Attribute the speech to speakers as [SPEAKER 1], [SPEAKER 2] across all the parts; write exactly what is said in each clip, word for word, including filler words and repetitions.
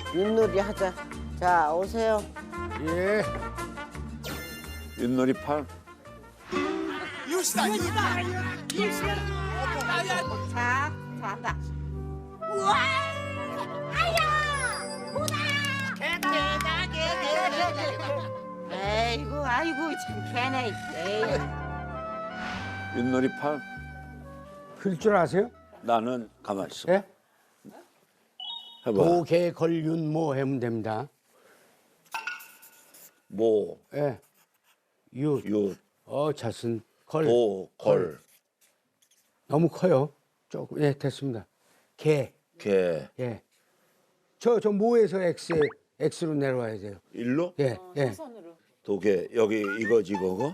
[SPEAKER 1] 윷놀이 하자. 자, 오세요.
[SPEAKER 2] 예.
[SPEAKER 3] 윷놀이 팔.
[SPEAKER 4] 유시다 유시다 유시다.
[SPEAKER 1] 자, 잘한다.
[SPEAKER 5] 우와! 아야! 보다!
[SPEAKER 1] 개다, 개, 개, 개. 에이구, 아이고, 참 개네. 에이.
[SPEAKER 3] 윷놀이 팔.
[SPEAKER 2] 풀 줄 아세요?
[SPEAKER 3] 나는 가만히 있어.
[SPEAKER 2] 예?
[SPEAKER 3] 해봐.
[SPEAKER 2] 도개 걸윤모 하면 됩니다.
[SPEAKER 3] 모,
[SPEAKER 2] 예. 윷.
[SPEAKER 3] 윷,
[SPEAKER 2] 어, 잣은 걸.
[SPEAKER 3] 도, 걸,
[SPEAKER 2] 너무 커요. 조금. 예, 됐습니다. 개.
[SPEAKER 3] 개.
[SPEAKER 2] 예. 저, 저 모에서 X, X로 내려와야 돼요.
[SPEAKER 3] 일로?
[SPEAKER 2] 예, 예.
[SPEAKER 3] 도개. 여기 이거지 이거고?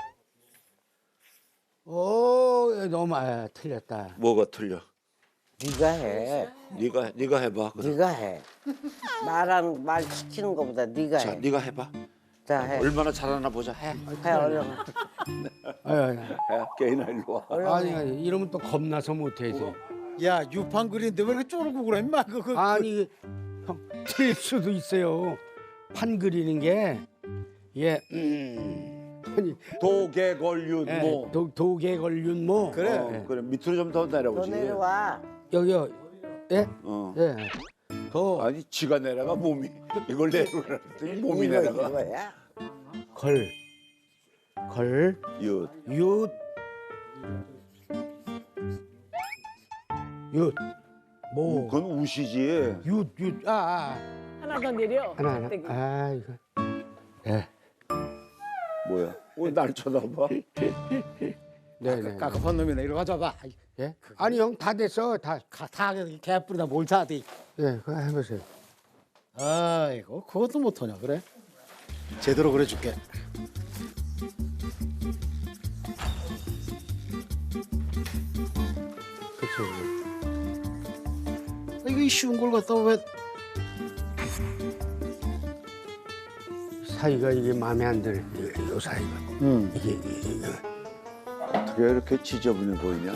[SPEAKER 2] 오, 너무, 아, 틀렸다.
[SPEAKER 3] 뭐가 틀려?
[SPEAKER 1] 네가 해.
[SPEAKER 3] 네가 네가 해봐. 그럼.
[SPEAKER 1] 네가 해. 말하는 말 시키는 것보다 네가
[SPEAKER 3] 자,
[SPEAKER 1] 해.
[SPEAKER 3] 네가 해봐.
[SPEAKER 1] 자, 해.
[SPEAKER 3] 얼마나 잘하나 보자. 해.
[SPEAKER 1] 해 얼른.
[SPEAKER 2] 아니, 아니,
[SPEAKER 3] 해. 개인아 일로 와.
[SPEAKER 2] 아니, 아니, 이러면 또 겁나서 못해야지.
[SPEAKER 4] 야 유판 그리는데 왜 이렇게 쪼르고 그래 임마 그, 그,
[SPEAKER 2] 아니, 형, 틀릴 수도 있어요. 판 그리는 게, 예, 음. 아니,
[SPEAKER 3] 도개, 걸, 윷,
[SPEAKER 2] 예,
[SPEAKER 3] 모.
[SPEAKER 2] 도, 도개 걸윤모.
[SPEAKER 4] 그래.
[SPEAKER 3] 어,
[SPEAKER 2] 예.
[SPEAKER 3] 그래 밑으로 좀 더
[SPEAKER 1] 너
[SPEAKER 3] 내려오지.
[SPEAKER 1] 내려와.
[SPEAKER 2] 여기요, 예?
[SPEAKER 3] 어.
[SPEAKER 2] 예. 더,
[SPEAKER 3] 아니 지가 내려가 몸이 이걸 내려오라더니 몸이
[SPEAKER 1] 이거
[SPEAKER 3] 내려가.
[SPEAKER 1] 이거야.
[SPEAKER 2] 걸, 걸,
[SPEAKER 3] 윷.
[SPEAKER 2] 윷, 윷, 모,
[SPEAKER 3] 그건 우시지.
[SPEAKER 2] 윷, 윷, 아, 아.
[SPEAKER 6] 하나 더 내려.
[SPEAKER 2] 하나, 하나.
[SPEAKER 6] 떼기.
[SPEAKER 2] 아, 이거. 예.
[SPEAKER 3] 뭐야? 왜 날 쳐다봐?
[SPEAKER 2] 네, 네.
[SPEAKER 4] 깝깝한 놈이네 이리 가져봐.
[SPEAKER 2] 예? 아니, 형, 다 됐어. 다.
[SPEAKER 4] 가, 다 개뿌리다 뭘 사대.
[SPEAKER 2] 예, 그거 해보세요.
[SPEAKER 4] 아이고 그것도 못하냐 그래? 제대로 그래줄게.
[SPEAKER 2] 그쵸.
[SPEAKER 4] 이거 이 쉬운 걸 갖다 왜?
[SPEAKER 2] 사이가 이게 마음에 안 드네. 이, 요 사이가.
[SPEAKER 4] 응.
[SPEAKER 2] 이게, 이게, 이게.
[SPEAKER 3] 어떻게 이렇게 지저분해 보이냐?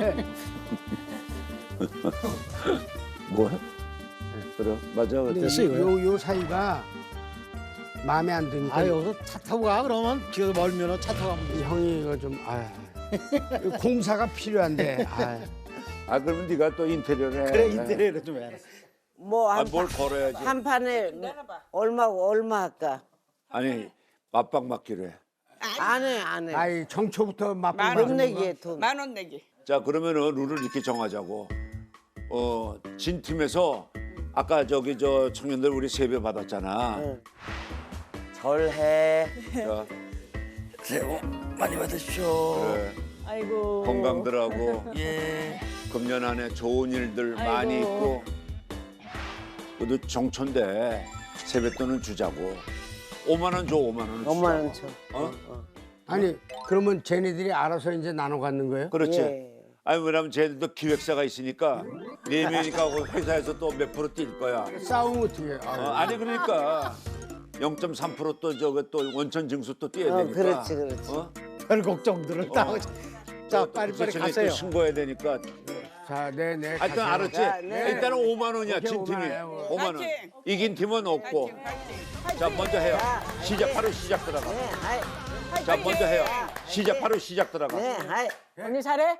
[SPEAKER 3] 뭐야? 그래 맞아.
[SPEAKER 2] 근데
[SPEAKER 4] 됐어,
[SPEAKER 2] 이-
[SPEAKER 4] 이거요?
[SPEAKER 2] 요, 요 사이가 마음에 안 드니까.
[SPEAKER 4] 아 여기서 차 타고 가 그러면 길 멀면 차 타고 가면 되지.
[SPEAKER 2] 형이 이거 좀, 아. 공사가 필요한데. 아.
[SPEAKER 3] 아 그러면 네가 또 인테리어를 해.
[SPEAKER 4] 그래 인테리어를 좀 해라.
[SPEAKER 1] 뭐
[SPEAKER 3] 아,
[SPEAKER 1] 한
[SPEAKER 3] 뭘 걸어야지.
[SPEAKER 1] 한 판에 얼마고 얼마 할까?
[SPEAKER 3] 아니 맞박 맞기로 해.
[SPEAKER 1] 안 해, 안 해.
[SPEAKER 2] 아이, 정초부터 맛보고.
[SPEAKER 1] 돈 내기에 돈.
[SPEAKER 6] 만 원 내기.
[SPEAKER 3] 자 그러면은 룰을 이렇게 정하자고. 어 진 팀에서 아까 저기 저 청년들 우리 세배 받았잖아.
[SPEAKER 1] 응. 절해.
[SPEAKER 3] 자
[SPEAKER 7] 새해 복 많이 받으십시오.
[SPEAKER 3] 그래.
[SPEAKER 6] 아이고.
[SPEAKER 3] 건강들하고
[SPEAKER 7] 예.
[SPEAKER 3] 금년 안에 좋은 일들
[SPEAKER 6] 아이고.
[SPEAKER 3] 많이 있고. 그래도 정초인데 세뱃돈은 주자고. 오만 원 줘, 오만 원은
[SPEAKER 1] 오만 원
[SPEAKER 3] 주자고.
[SPEAKER 1] 줘.
[SPEAKER 3] 어?
[SPEAKER 2] 아니, 그러면 쟤네들이 알아서 이제 나눠 갖는 거예요?
[SPEAKER 3] 그렇지.
[SPEAKER 1] 예.
[SPEAKER 3] 아니 왜냐면 쟤들도 기획사가 있으니까 네 명이니까 그 회사에서 또 몇 프로 뛸 거야.
[SPEAKER 2] 싸우면 어떻게 해?
[SPEAKER 3] 어,
[SPEAKER 2] 아,
[SPEAKER 3] 아니 그러니까 영 점 삼 퍼센트 또 저거 또 원천 징수 또 뛰어야
[SPEAKER 1] 어,
[SPEAKER 3] 되니까.
[SPEAKER 1] 그렇지, 그렇지.
[SPEAKER 3] 어?
[SPEAKER 4] 별 걱정들을 다 하고. 자 빨리빨리
[SPEAKER 3] 쟤네
[SPEAKER 4] 가세요.
[SPEAKER 3] 또 신고해야 되니까.
[SPEAKER 2] 자, 네, 네.
[SPEAKER 3] 아, 일단
[SPEAKER 2] 가세요.
[SPEAKER 3] 알았지?
[SPEAKER 1] 자, 네.
[SPEAKER 3] 일단은 오만 원이야,
[SPEAKER 2] 오케이,
[SPEAKER 3] 진 팀이.
[SPEAKER 2] 오만 원이에요.
[SPEAKER 3] 오만 원.
[SPEAKER 6] 파이팅!
[SPEAKER 3] 이긴 팀은 없고. 자, 먼저 해요. 시작, 바로 시작 들어가.
[SPEAKER 1] 네, 하이.
[SPEAKER 3] 자, 먼저 해요. 시작, 바로 시작 들어가.
[SPEAKER 1] 네, 하이.
[SPEAKER 6] 언니 잘해?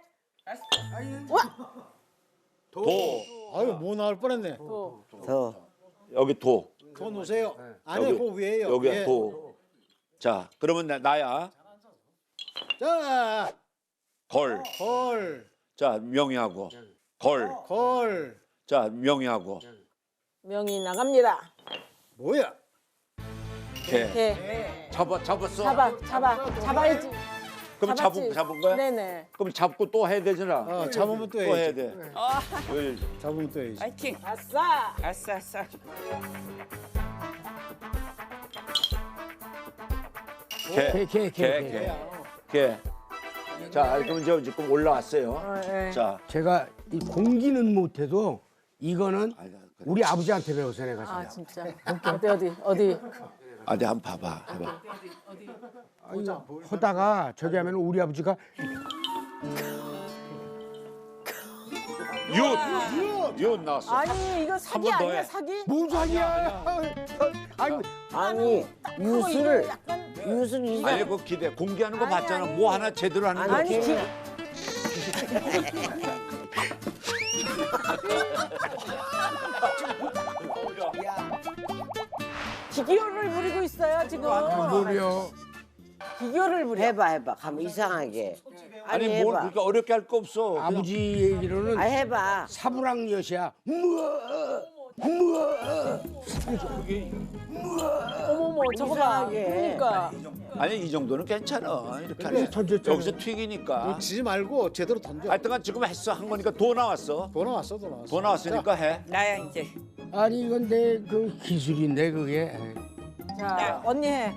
[SPEAKER 3] 도,
[SPEAKER 4] 아유 뭐 나올 뻔했네.
[SPEAKER 1] 더.
[SPEAKER 3] 여기 도.
[SPEAKER 4] 더 놓으세요. 아니
[SPEAKER 3] 여기,
[SPEAKER 4] 그 위에요.
[SPEAKER 3] 여기야,
[SPEAKER 4] 예.
[SPEAKER 3] 도. 자, 그러면 나, 나야.
[SPEAKER 4] 자
[SPEAKER 3] 걸.
[SPEAKER 4] 걸,
[SPEAKER 3] 자, 명희하고. 걸.
[SPEAKER 4] 걸.
[SPEAKER 3] 자, 명희하고.
[SPEAKER 6] 명이 나갑니다.
[SPEAKER 4] 뭐야?
[SPEAKER 3] 개.
[SPEAKER 6] 개.
[SPEAKER 3] 잡아, 잡았어?
[SPEAKER 6] 잡아, 잡아, 잡아야지.
[SPEAKER 3] 그럼
[SPEAKER 6] 잡았지?
[SPEAKER 3] 잡은, 잡은 거야?
[SPEAKER 6] 네네.
[SPEAKER 3] 그럼 잡고 또 해야 되잖아.
[SPEAKER 4] 어 잡으면 또
[SPEAKER 3] 또 해야
[SPEAKER 4] 해야지.
[SPEAKER 3] 돼. 왜
[SPEAKER 4] 잡으면 또 해야지.
[SPEAKER 6] 파이팅. 아싸. 아싸, 아싸.
[SPEAKER 3] 개.
[SPEAKER 2] 개, 개, 개,
[SPEAKER 3] 개,
[SPEAKER 2] 개.
[SPEAKER 3] 개. 개. 자, 그럼 이제 지금 올라왔어요.
[SPEAKER 6] 어, 예.
[SPEAKER 3] 자,
[SPEAKER 2] 제가 이 공기는 못해도 이거는
[SPEAKER 3] 아니, 그래.
[SPEAKER 2] 우리 아버지한테 배웠어, 내가
[SPEAKER 6] 아
[SPEAKER 2] 진짜.
[SPEAKER 6] 진짜. 어디 어디 어디.
[SPEAKER 3] 어디 한번 봐봐. 해봐.
[SPEAKER 2] 아니, 하다가 저기 하면 우리 아버지가
[SPEAKER 3] 윷. 윷 나왔어.
[SPEAKER 6] 아니 이거 사기
[SPEAKER 3] 번 더
[SPEAKER 6] 아니야
[SPEAKER 3] 해.
[SPEAKER 6] 사기?
[SPEAKER 2] 뭔 소리야? 아니
[SPEAKER 1] 아니 유술 유술 이상
[SPEAKER 3] 아니 그 기대 공개하는 거
[SPEAKER 6] 아니,
[SPEAKER 3] 봤잖아.
[SPEAKER 6] 아니.
[SPEAKER 3] 뭐 하나 제대로 하는 거.
[SPEAKER 1] 아니
[SPEAKER 6] 아니,
[SPEAKER 1] 기,
[SPEAKER 6] 기교를 부리고 있어요 지금.
[SPEAKER 2] 뭐려?
[SPEAKER 6] 기교를 부려.
[SPEAKER 1] 해봐 해봐 가면 이상하게 아니,
[SPEAKER 3] 아니 뭘
[SPEAKER 1] 해봐
[SPEAKER 3] 그렇게 어렵게 할 거 없어. 그냥
[SPEAKER 2] 아버지 얘기로는
[SPEAKER 1] 아 해봐
[SPEAKER 2] 사부랑 엿이야.
[SPEAKER 6] 어머머 저거 봐.
[SPEAKER 1] 이상하게.
[SPEAKER 6] 그러니까
[SPEAKER 3] 아니 이 정도는 괜찮아. 이렇게 하면
[SPEAKER 2] 던졌잖아.
[SPEAKER 3] 여기서 튀기니까.
[SPEAKER 4] 지지 말고 제대로 던져.
[SPEAKER 3] 하여튼간 지금 했어 한 거니까 도 나왔어.
[SPEAKER 4] 더 나왔어, 더 나왔어.
[SPEAKER 3] 도 나왔으니까 해.
[SPEAKER 5] 나야 이제.
[SPEAKER 2] 아니 이건 내 그 기술인데 그게.
[SPEAKER 6] 자 언니 해.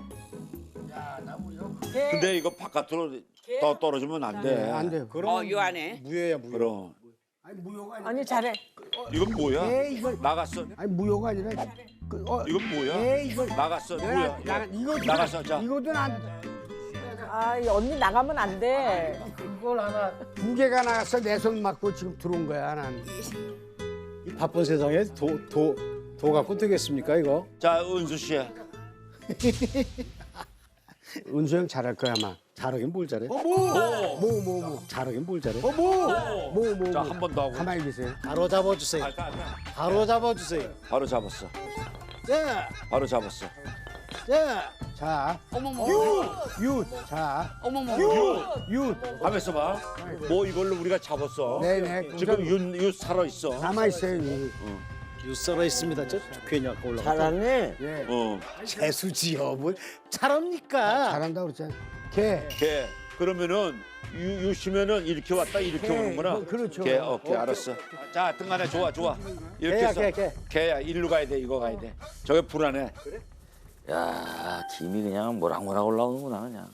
[SPEAKER 3] 근데 이거 바깥으로 더 떨어지면 안 돼.
[SPEAKER 2] 안 돼.
[SPEAKER 5] 어, 요 안에.
[SPEAKER 4] 무효야, 무효.
[SPEAKER 3] 그럼
[SPEAKER 2] 아니 무효가 아니라.
[SPEAKER 6] 언니 잘해.
[SPEAKER 3] 이건 뭐야?
[SPEAKER 2] 에이 이걸
[SPEAKER 3] 나갔어.
[SPEAKER 2] 아니 무효가 아니라. 그, 어,
[SPEAKER 3] 이건 뭐야?
[SPEAKER 2] 에이 이걸
[SPEAKER 3] 나갔어.
[SPEAKER 2] 내가
[SPEAKER 3] 뭐야?
[SPEAKER 2] 나 이거
[SPEAKER 3] 나갔어. 자.
[SPEAKER 2] 이거든 안.
[SPEAKER 6] 아 이 언니 나가면 안 돼.
[SPEAKER 2] 그걸 하나 두 개가 나갔어 내 손 맞고 지금 들어온 거야 난.
[SPEAKER 4] 이 바쁜 세상에 도, 도, 도 갖고 되겠습니까, 이거?
[SPEAKER 3] 자 은수 씨.
[SPEAKER 2] 은수 형 잘할 거야 아마.
[SPEAKER 4] 잘하긴 뭘 잘해?
[SPEAKER 2] 뭐 뭐 뭐 뭐.
[SPEAKER 4] 잘하긴 뭘 잘해?
[SPEAKER 2] 뭐 뭐 뭐.
[SPEAKER 3] 자 한 번 더 하고.
[SPEAKER 2] 가만히 계세요.
[SPEAKER 4] 바로 잡아주세요.
[SPEAKER 3] 아, 아, 아.
[SPEAKER 4] 바로 잡아주세요.
[SPEAKER 3] 바로 잡았어.
[SPEAKER 4] 자,
[SPEAKER 3] 바로 잡았어.
[SPEAKER 4] 자.
[SPEAKER 2] 자,
[SPEAKER 5] 어머머.
[SPEAKER 2] 윷. 자,
[SPEAKER 5] 어머머.
[SPEAKER 2] 윷.
[SPEAKER 3] 하면서 봐. 뭐 이걸로 우리가 잡았어.
[SPEAKER 2] 네네.
[SPEAKER 3] 지금 윤, 윤 살아 있어.
[SPEAKER 2] 남아 있어요. 윷.
[SPEAKER 4] 유서가 있습니다. 저 괜히 아까 올라가.
[SPEAKER 1] 잘하네
[SPEAKER 2] 예.
[SPEAKER 3] 어.
[SPEAKER 4] 재수지요, 뭘 잘합니까?
[SPEAKER 2] 잘한다 그랬잖아. 개.
[SPEAKER 3] 개. 그러면은 유, 유시면은 이렇게 왔다 이렇게
[SPEAKER 2] 개.
[SPEAKER 3] 오는구나.
[SPEAKER 2] 뭐, 그렇죠.
[SPEAKER 3] 개. 오케이 알았어. 자 등간에 좋아 좋아. 이렇게
[SPEAKER 4] 개야,
[SPEAKER 3] 해서
[SPEAKER 4] 개, 개.
[SPEAKER 3] 개야 일로 가야 돼 이거 가야 돼. 저게 불안해.
[SPEAKER 7] 야, 김이 그냥 모락모락 올라오는구나 그냥.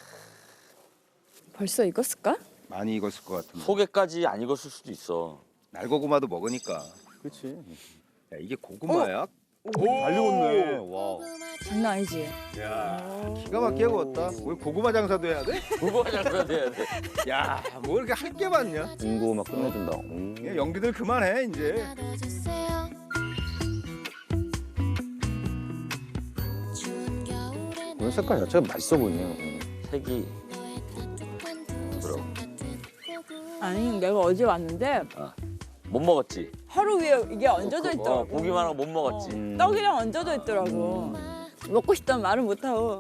[SPEAKER 8] 벌써 익었을까?
[SPEAKER 9] 많이 익었을 것 같은데.
[SPEAKER 7] 소개까지 안 익었을 수도 있어.
[SPEAKER 9] 날고구마도 먹으니까. 그렇지. 야, 이게 고구마야? 오, 잘 익었네. 와.
[SPEAKER 8] 장난 아니지?
[SPEAKER 9] 기가 막히게 구웠다. 우리 고구마 장사도 해야 돼?
[SPEAKER 7] 그거 장사 돼야 돼.
[SPEAKER 9] 야, 뭐 이렇게 할 게 많냐?
[SPEAKER 7] 군고구마 끝내준다. 음.
[SPEAKER 9] 야, 연기들 그만해 이제.
[SPEAKER 7] 오늘 색깔 자체가 맛있어 보이네요. 색이 부드러워.
[SPEAKER 8] 아니 내가 어제 왔는데
[SPEAKER 7] 못 먹었지?
[SPEAKER 8] 하루 위에 이게 얹어져
[SPEAKER 7] 어,
[SPEAKER 8] 있더라고.
[SPEAKER 7] 보기만 하고 못 먹었지.
[SPEAKER 8] 떡이랑 얹어져 있더라고. 먹고 싶다면 말은 못하고.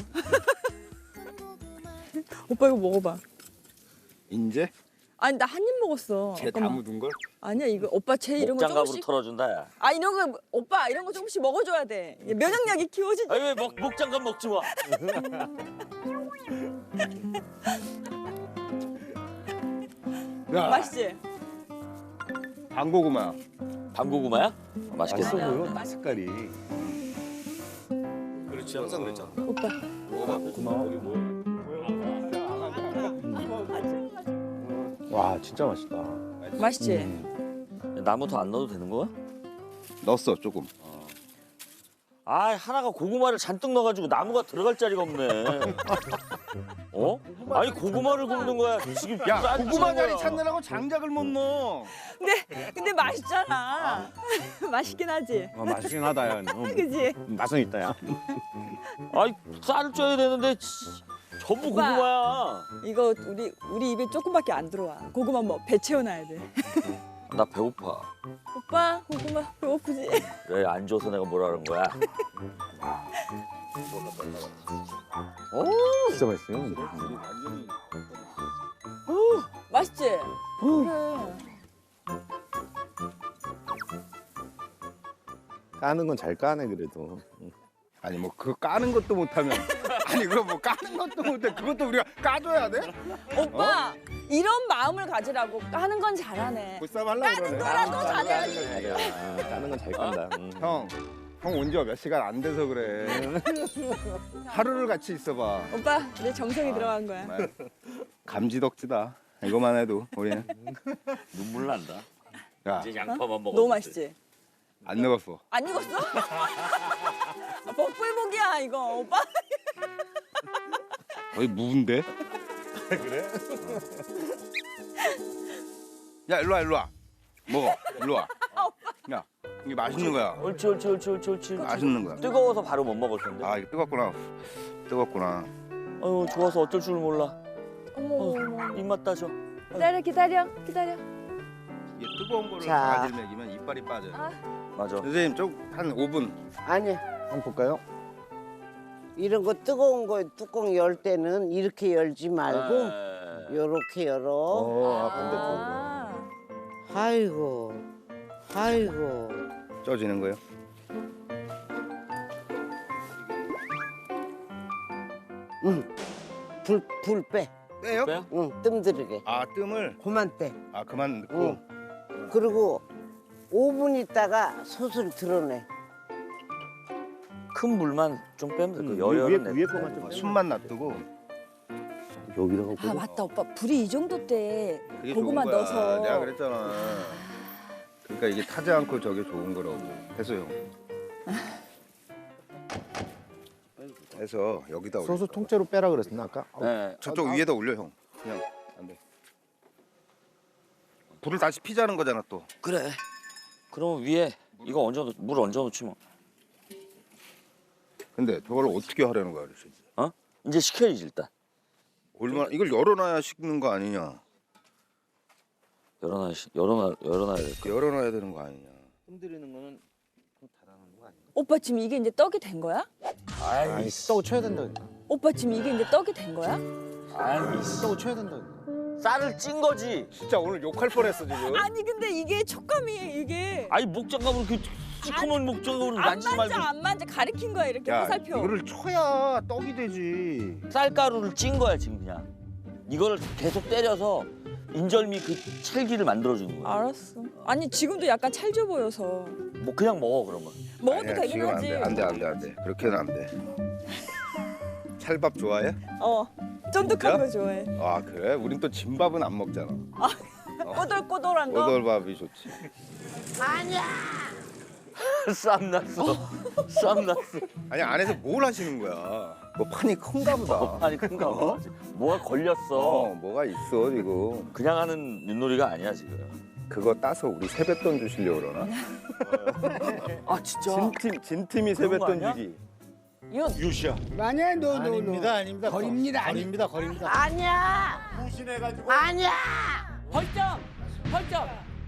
[SPEAKER 8] 오빠 이거 먹어봐.
[SPEAKER 9] 인제
[SPEAKER 8] 아니 나 한 입 먹었어.
[SPEAKER 9] 쟤 다
[SPEAKER 8] 잠깐만.
[SPEAKER 9] 묻은 걸?
[SPEAKER 8] 아니야 이거 오빠 쟤 이런 거
[SPEAKER 7] 목장갑으로
[SPEAKER 8] 조금씩.
[SPEAKER 7] 털어준다 야.
[SPEAKER 8] 아 이런 거 오빠 이런 거 조금씩 먹어줘야 돼. 면역력이 키워지지.
[SPEAKER 7] 아니 왜 목, 목장갑 먹지 마.
[SPEAKER 9] 야,
[SPEAKER 8] 맛있지?
[SPEAKER 9] 방고구마.
[SPEAKER 7] 방고구마야? 맛있겠어.
[SPEAKER 8] 아니야.
[SPEAKER 9] 보여, 딱 색깔이.
[SPEAKER 7] 그렇지 항상 그랬잖아.
[SPEAKER 8] 오빠.
[SPEAKER 9] 와, 진짜 맛있다.
[SPEAKER 8] 맛있지?
[SPEAKER 7] 나무 더 안 넣어도 되는 거야?
[SPEAKER 9] 넣었어 조금.
[SPEAKER 7] 아 하나가 고구마를 잔뜩 넣어가지고 나무가 들어갈 자리가 없네. 어? 아니 고구마를 굽는 거야. 지금
[SPEAKER 9] 야,
[SPEAKER 7] 쌀
[SPEAKER 9] 고구마
[SPEAKER 7] 찌는
[SPEAKER 9] 자리
[SPEAKER 7] 거야.
[SPEAKER 9] 찾느라고 장작을 못 넣어.
[SPEAKER 8] 근데 근데 맛있잖아. 맛있긴 하지.
[SPEAKER 9] 어, 맛있긴 하다 야. 어,
[SPEAKER 8] 그지?
[SPEAKER 9] 맛은 있다 야.
[SPEAKER 7] 아니 쌀을 쪄야 되는데 치, 전부
[SPEAKER 8] 오빠.
[SPEAKER 7] 고구마야.
[SPEAKER 8] 이거 우리 우리 입에 조금밖에 안 들어와. 고구마 뭐 배 채워놔야 돼.
[SPEAKER 7] 나 배고파.
[SPEAKER 8] 오빠 고구마 배고프지?
[SPEAKER 7] 왜 안 줘서 내가 뭐라는 거야? 오 진짜 맛있어요.
[SPEAKER 8] 맛있지? 그래.
[SPEAKER 9] 까는 건 잘 까네 그래도. 아니 뭐 그거 까는 것도 못하면 아니 그거 뭐 까는 것도 못해 그것도 우리가 까줘야 돼?
[SPEAKER 8] 오빠 이런 마음을 가지라고 까는 건 잘하네.
[SPEAKER 9] 보쌈 하려고 그러네.
[SPEAKER 8] 거라도 잘해야지.
[SPEAKER 9] 까는 건 잘 깐다. 형, 형 온 지 몇 시간 안 돼서 그래. 하루를 같이 있어봐.
[SPEAKER 8] 오빠 내 정성이 들어간 거야.
[SPEAKER 9] 정말 감지덕지다. 이거만 해도 우리는
[SPEAKER 7] 눈물 난다.
[SPEAKER 9] 야,
[SPEAKER 7] 이제 양파만 먹어.
[SPEAKER 8] 너무 맛있지?
[SPEAKER 9] 안 늙었어.
[SPEAKER 8] 안 익었어? 아, 복불복이야 이거 오빠.
[SPEAKER 9] 거의 무인데? 그래? 야 일로 와 일로 와. 먹어. 일로 와. 야, 이게 맛있는 거야.
[SPEAKER 7] 옳지 옳지 옳지 옳지 옳지.
[SPEAKER 9] 맛있는 거야.
[SPEAKER 7] 뜨거워서 바로 못 먹을 텐데.
[SPEAKER 9] 아, 이거 뜨겁구나. 뜨겁구나.
[SPEAKER 7] 아유 좋아서 어쩔 줄 몰라.
[SPEAKER 8] 어머
[SPEAKER 7] 어,
[SPEAKER 8] 어머.
[SPEAKER 7] 입맛 따져.
[SPEAKER 8] 기다려 기다려 기다려.
[SPEAKER 9] 이게 뜨거운 거를
[SPEAKER 1] 자.
[SPEAKER 9] 가지를 먹이면 이빨이 빠져요.
[SPEAKER 8] 아.
[SPEAKER 7] 맞아.
[SPEAKER 9] 선생님 좀 한 오 분
[SPEAKER 1] 아니
[SPEAKER 9] 한번 볼까요?
[SPEAKER 1] 이런 거 뜨거운 거 뚜껑 열 때는 이렇게 열지 말고
[SPEAKER 7] 네.
[SPEAKER 1] 요렇게 열어.
[SPEAKER 9] 어, 아, 반대쪽으로.
[SPEAKER 8] 아.
[SPEAKER 1] 아이고, 아이고.
[SPEAKER 9] 쪄지는 거예요?
[SPEAKER 1] 응. 불, 불 빼.
[SPEAKER 9] 빼요?
[SPEAKER 7] 빼요?
[SPEAKER 1] 응, 뜸들이게.
[SPEAKER 9] 아, 뜸을.
[SPEAKER 1] 그만 빼.
[SPEAKER 9] 아, 그만 넣고.
[SPEAKER 1] 응. 그리고 오 분 있다가 솥을 드러내.
[SPEAKER 7] 큰 물만 좀 빼면 돼. 그
[SPEAKER 9] 음,
[SPEAKER 7] 열열은 내.
[SPEAKER 9] 거만 좀 숨만 놔두고.
[SPEAKER 7] 여기다가
[SPEAKER 8] 아 맞다 오빠 불이 이 정도 때
[SPEAKER 9] 그게
[SPEAKER 8] 고구마
[SPEAKER 9] 좋은 거야.
[SPEAKER 8] 넣어서.
[SPEAKER 9] 내가 그랬잖아. 그러니까 이게 타지 않고 저게 좋은 거라고. 됐어요. 해서 여기다 올려.
[SPEAKER 4] 소스 통째로 빼라 그랬었나 아까?
[SPEAKER 7] 네.
[SPEAKER 9] 저쪽 위에다 올려 형. 그냥 안 돼. 불을 다시 피자는 거잖아 또.
[SPEAKER 7] 그래. 그럼 위에 이거 얹어 놓, 물 얹어 놓지 뭐.
[SPEAKER 9] 근데 저걸 어떻게 하려는 거야, 아저씨?
[SPEAKER 7] 어? 이제 식혀야지 일단.
[SPEAKER 9] 얼마나 이걸 열어놔야 식는 거 아니냐?
[SPEAKER 7] 열어놔 열어놔 열어놔야 돼.
[SPEAKER 9] 열어놔야 되는 거 아니냐?
[SPEAKER 7] 흔들리는 거는 좀 닫아놓는 거 아니야?
[SPEAKER 8] 오빠 지금 이게 이제 떡이 된 거야?
[SPEAKER 4] 아이 떡 쳐야 된다.
[SPEAKER 8] 오빠 지금 이게 이제 떡이 된 거야?
[SPEAKER 4] 떡 쳐야 된다.
[SPEAKER 7] 쌀을 찐 거지.
[SPEAKER 9] 진짜 오늘 욕할 뻔했어 지금.
[SPEAKER 8] 아니 근데 이게 촉감이 이게
[SPEAKER 7] 아니 목장갑으로 그 시커먼 목장갑으로
[SPEAKER 8] 안
[SPEAKER 7] 만지지
[SPEAKER 8] 만져
[SPEAKER 7] 말고
[SPEAKER 8] 안 만져 가리킨 거야 이렇게
[SPEAKER 9] 야,
[SPEAKER 8] 화살표.
[SPEAKER 9] 이거를 쳐야 떡이 되지.
[SPEAKER 7] 쌀가루를 찐 거야 지금 그냥. 이거를 계속 때려서 인절미 그 찰기를 만들어 주는 거야.
[SPEAKER 8] 알았어. 아니 지금도 약간 찰져 보여서
[SPEAKER 7] 뭐 그냥 먹어 그러면.
[SPEAKER 8] 먹어도
[SPEAKER 9] 아니야,
[SPEAKER 8] 되긴
[SPEAKER 9] 지금 안
[SPEAKER 8] 하지.
[SPEAKER 9] 돼, 안 돼, 안 돼, 안 돼. 그렇게는 안 돼. 찰밥 좋아해?
[SPEAKER 8] 어 쫀득한 거 좋아해.
[SPEAKER 9] 아 그래? 우린 또 진밥은 안 먹잖아.
[SPEAKER 8] 꼬들꼬들한 거.
[SPEAKER 9] 꼬들밥이 좋지.
[SPEAKER 7] 쌈 났어. 쌈 났어.
[SPEAKER 9] 아니 안에서 뭘 하시는 거야? 뭐 판이 큰가 보다.
[SPEAKER 7] 아니 큰가 봐. 뭐가 걸렸어.
[SPEAKER 9] 어, 뭐가 있어 지금.
[SPEAKER 7] 그냥 하는 윷놀이가 아니야 지금.
[SPEAKER 9] 그거 따서 우리 세뱃돈 주시려고 그러나?
[SPEAKER 7] 아 진짜.
[SPEAKER 9] 진팀 진팀이
[SPEAKER 7] 그런 거
[SPEAKER 9] 세뱃돈
[SPEAKER 7] 아니야?
[SPEAKER 9] 주기.
[SPEAKER 3] 유시야.
[SPEAKER 2] 아니야, 너, 너, 너.
[SPEAKER 4] 아닙니다, 아닙니다.
[SPEAKER 2] 거립니다, 아니.
[SPEAKER 4] 거립니다, 거립니다.
[SPEAKER 1] 아니야!
[SPEAKER 3] 무신해가지고.
[SPEAKER 1] 아니야!
[SPEAKER 7] 벌점. 벌점.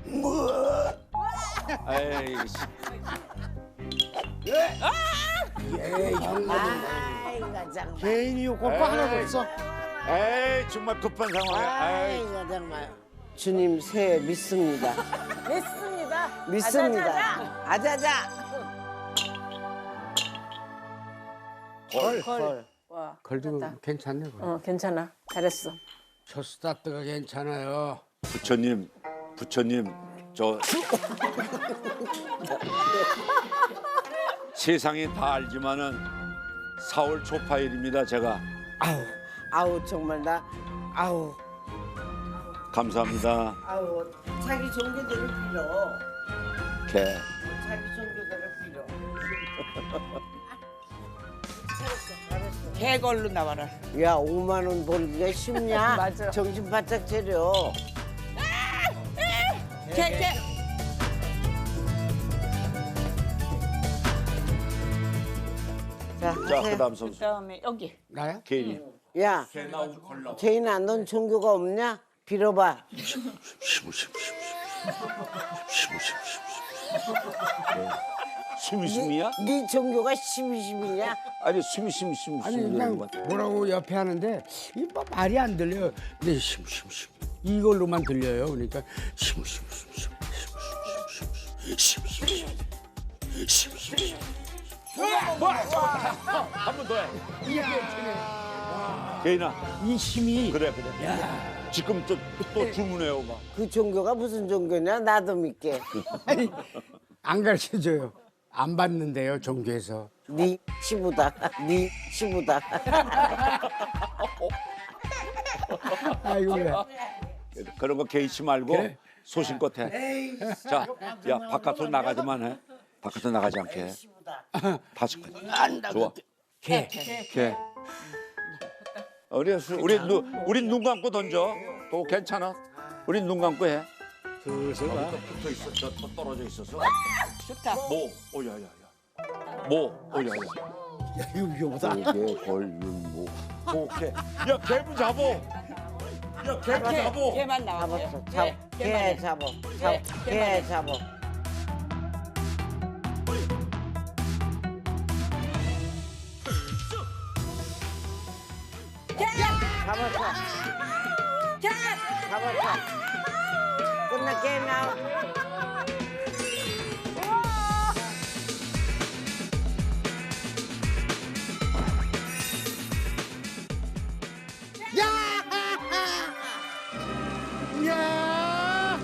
[SPEAKER 7] 에이.
[SPEAKER 2] 에이, 형.
[SPEAKER 1] 아이고, 정말.
[SPEAKER 4] 개인이 요거가 하나도 없어.
[SPEAKER 3] 에이 정말 급한 상황이야. 에이.
[SPEAKER 1] 아이고, 정말. 주님 새 믿습니다.
[SPEAKER 6] 믿습니다.
[SPEAKER 1] 믿습니다. 아자자.
[SPEAKER 6] 걸. 걸. 와.
[SPEAKER 2] 걸도
[SPEAKER 6] 됐다.
[SPEAKER 2] 괜찮네. 걸.
[SPEAKER 6] 어, 괜찮아. 잘했어.
[SPEAKER 2] 첫 스타트가 괜찮아요.
[SPEAKER 3] 부처님, 부처님, 저 세상이 다 알지만은 사월 초파일입니다. 제가
[SPEAKER 1] 아우, 아우, 정말 나, 아우,
[SPEAKER 3] 감사합니다.
[SPEAKER 1] 아우. 자기 종교대로 빌어.
[SPEAKER 3] 개.
[SPEAKER 1] 자기 종교대로 빌어.
[SPEAKER 5] 개걸로 나와라.
[SPEAKER 1] 야, 오만 원 벌기가 쉽냐?
[SPEAKER 6] 맞아.
[SPEAKER 1] 정신 바짝 차려.
[SPEAKER 5] 개, 개.
[SPEAKER 1] 자,
[SPEAKER 3] 자,
[SPEAKER 1] 하세요.
[SPEAKER 3] 그다음 선수
[SPEAKER 5] 그다음에 여기.
[SPEAKER 2] 나야?
[SPEAKER 3] 개인이.
[SPEAKER 1] 야, 제인아, 넌 종교가 없냐? 빌어봐.
[SPEAKER 3] 숨이 숨이야?
[SPEAKER 1] 네 종교가 십이십이냐?
[SPEAKER 3] 아니 숨이 숨이 숨이
[SPEAKER 2] 아니
[SPEAKER 3] 숨이
[SPEAKER 2] 그냥
[SPEAKER 3] 이러는 것 같아.
[SPEAKER 2] 뭐라고 옆에 하는데 이 뭐 말이 안 들려요. 근데 심심심 이걸로만 들려요. 그러니까 심심심심 심심심 심심심
[SPEAKER 3] 한번 더 해. 개인아.
[SPEAKER 2] 이 힘이
[SPEAKER 3] 그래 그래. 지금 또, 또 주문해요 막.
[SPEAKER 1] 그 종교가 무슨 종교냐? 나도 믿게.
[SPEAKER 2] 아니, 안 가르쳐줘요. 안 받는데요 종교에서.
[SPEAKER 1] 네 시부다. 네 시부다.
[SPEAKER 2] 아이고 왜.
[SPEAKER 3] 그런 거 개의치 말고
[SPEAKER 2] 그래.
[SPEAKER 3] 소신껏 해. 자, 야 바깥으로 나가지만 해. 바깥으로 나가지 않게 해. 다섯 개. 좋아.
[SPEAKER 2] 개.
[SPEAKER 3] 개. 우리 수- 우리 눈 우리 눈 감고 던져. 또 괜찮아. 우리 눈 감고 해.
[SPEAKER 4] 슬슬 가.
[SPEAKER 3] 붙어 있어. 저, 저 떨어져 있어서.
[SPEAKER 8] 좋다.
[SPEAKER 3] 모. 어, 야, 야, 야. 모. 어, 야, 야.
[SPEAKER 4] 야, 이거 위험하다.
[SPEAKER 3] 개, 걸, 윤, 모. 오케이. 야, 개부 잡어. 야, 개부 잡어.
[SPEAKER 8] 얘만 나와.
[SPEAKER 1] 잡았어. 잡, 개 잡어. 잡, 개 잡어. 잡았어. 잡았어. 끝나 게임 나와.
[SPEAKER 2] 야!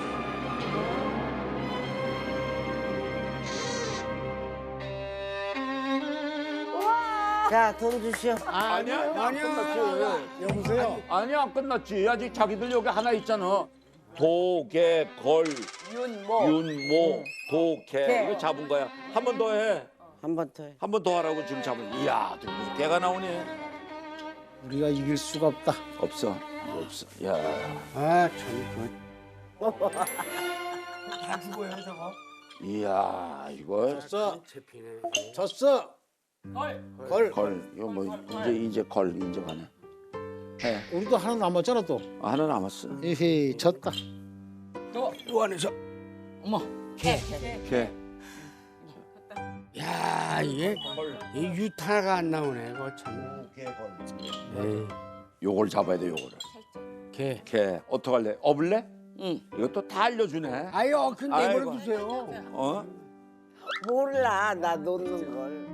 [SPEAKER 1] 자, 돈 주시오.
[SPEAKER 3] 아니야, 안 끝났지.
[SPEAKER 4] 여보세요.
[SPEAKER 3] 아니야, 안 끝났지. 아직 자기들 여기 하나 있잖아. 도, 개, 걸,
[SPEAKER 8] 윤모.
[SPEAKER 3] 윤, 모, 도, 개.
[SPEAKER 8] 개.
[SPEAKER 3] 이거 잡은 거야. 한 번 더 해.
[SPEAKER 1] 한 번 더 해.
[SPEAKER 3] 한 번 더 하라고 지금 잡은. 이야, 또 개가 나오네.
[SPEAKER 4] 우리가 이길 수가 없다.
[SPEAKER 3] 없어. 없어. 야.
[SPEAKER 2] 아, 참.
[SPEAKER 3] 이야, 이거
[SPEAKER 4] 졌어. 졌어. 걸.
[SPEAKER 3] 걸. 이거 뭐 이제 이제 걸 인정하네. 해.
[SPEAKER 4] 우리도 하나 남았잖아 또.
[SPEAKER 3] 아, 하나 남았어.
[SPEAKER 4] 에헤이, 졌다.
[SPEAKER 2] 요 안에서.
[SPEAKER 8] 개.
[SPEAKER 3] 개.
[SPEAKER 2] 야, 이게 이 유타가 안 나오네. 그거 참. 에이,
[SPEAKER 3] 요걸 잡아야 돼, 요거를.
[SPEAKER 2] 개.
[SPEAKER 3] 개. 어떡할래? 업을래?
[SPEAKER 8] 응.
[SPEAKER 3] 이것도 다 알려주네.
[SPEAKER 2] 아유, 근데
[SPEAKER 3] 아이고.
[SPEAKER 2] 뭘 주세요?
[SPEAKER 3] 어?
[SPEAKER 1] 몰라, 나 놓는 걸.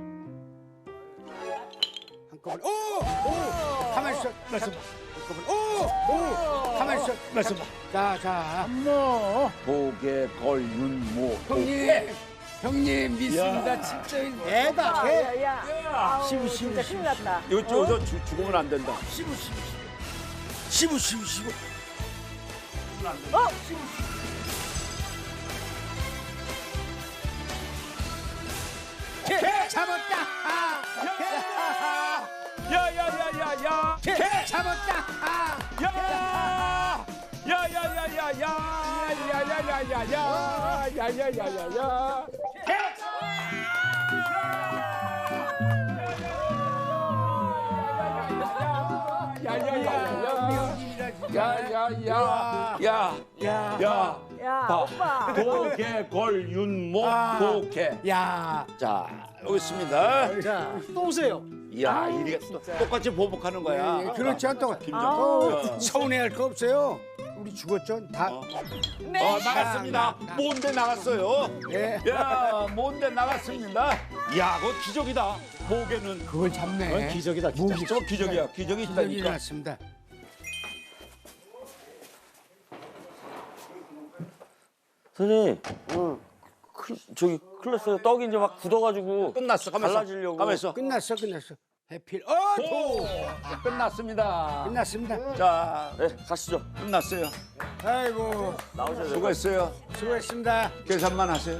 [SPEAKER 2] 한꺼번에. 오! 오! 가만히 있어. 말씀. 한꺼번에. 오! 오! 가만히 있어. 말씀. 자, 자.
[SPEAKER 4] 뭐?
[SPEAKER 3] 도개, 걸, 윤, 모.
[SPEAKER 2] 형님. 형님 믿습니다. 진짜 애다. 애.
[SPEAKER 6] 야, 야. 아우,
[SPEAKER 2] 시부, 시부,
[SPEAKER 6] 진짜
[SPEAKER 2] 시부,
[SPEAKER 6] 큰일 났다.
[SPEAKER 3] 이거 저기서 주- 죽으면 안 된다.
[SPEAKER 2] 시부 시부 시부. 시부 시부 시부. 개 잡았다. 아!
[SPEAKER 3] 야야야야야!
[SPEAKER 2] 개 잡았다. 아!
[SPEAKER 3] 야! 야야야야야야야야야야야야야야야야! 야야야야! 야! 야!
[SPEAKER 6] 야,
[SPEAKER 3] 봐.
[SPEAKER 6] 오빠.
[SPEAKER 3] 도개, 걸, 윤, 모, 도개.
[SPEAKER 2] 야.
[SPEAKER 3] 자, 여기 있습니다.
[SPEAKER 4] 자, 또 오세요.
[SPEAKER 3] 야, 이게 똑같이 보복하는 거야.
[SPEAKER 2] 예, 그렇죠. 또
[SPEAKER 3] 김정.
[SPEAKER 2] 서운해할 거 없어요. 우리 죽었죠. 다.
[SPEAKER 3] 어,
[SPEAKER 8] 네.
[SPEAKER 3] 어, 나갔습니다. 뭔데 나갔어요?
[SPEAKER 2] 예.
[SPEAKER 3] 야, 뭔데 나갔습니다. 야, 그거 기적이다. 보게는.
[SPEAKER 2] 그걸 잡네.
[SPEAKER 4] 기적이다, 기적.
[SPEAKER 3] 저 기적이야. 기적이
[SPEAKER 2] 기적이
[SPEAKER 3] 있다니까.
[SPEAKER 2] 일어났습니다.
[SPEAKER 7] 선생님,
[SPEAKER 1] 응.
[SPEAKER 7] 크, 저기 클래스가 떡이 이제 막 굳어가지고
[SPEAKER 3] 끝났어. 가면서.
[SPEAKER 7] 갈라지려고.
[SPEAKER 3] 가면서.
[SPEAKER 2] 끝났어. 끝났어. 해필. 어,
[SPEAKER 3] 오! 끝났습니다.
[SPEAKER 2] 끝났습니다.
[SPEAKER 3] 자,
[SPEAKER 7] 네, 가시죠.
[SPEAKER 3] 끝났어요.
[SPEAKER 2] 아이고,
[SPEAKER 7] 나오셔야 돼요.
[SPEAKER 3] 수고했어요.
[SPEAKER 2] 수고했습니다.
[SPEAKER 3] 계산만 하세요.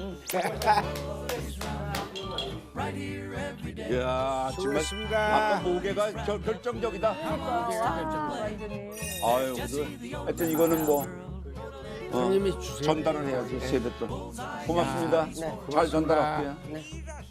[SPEAKER 3] 이야, 정말
[SPEAKER 2] 수고했습니다.
[SPEAKER 3] 아까 모개가 결, 결정적이다.
[SPEAKER 6] 완전히.
[SPEAKER 3] 아유, 그, 하여튼 이거는 뭐 어,
[SPEAKER 2] 형님이 주세요.
[SPEAKER 3] 전달을 해야지 세뱃돈. 고맙습니다. 잘 전달할게요.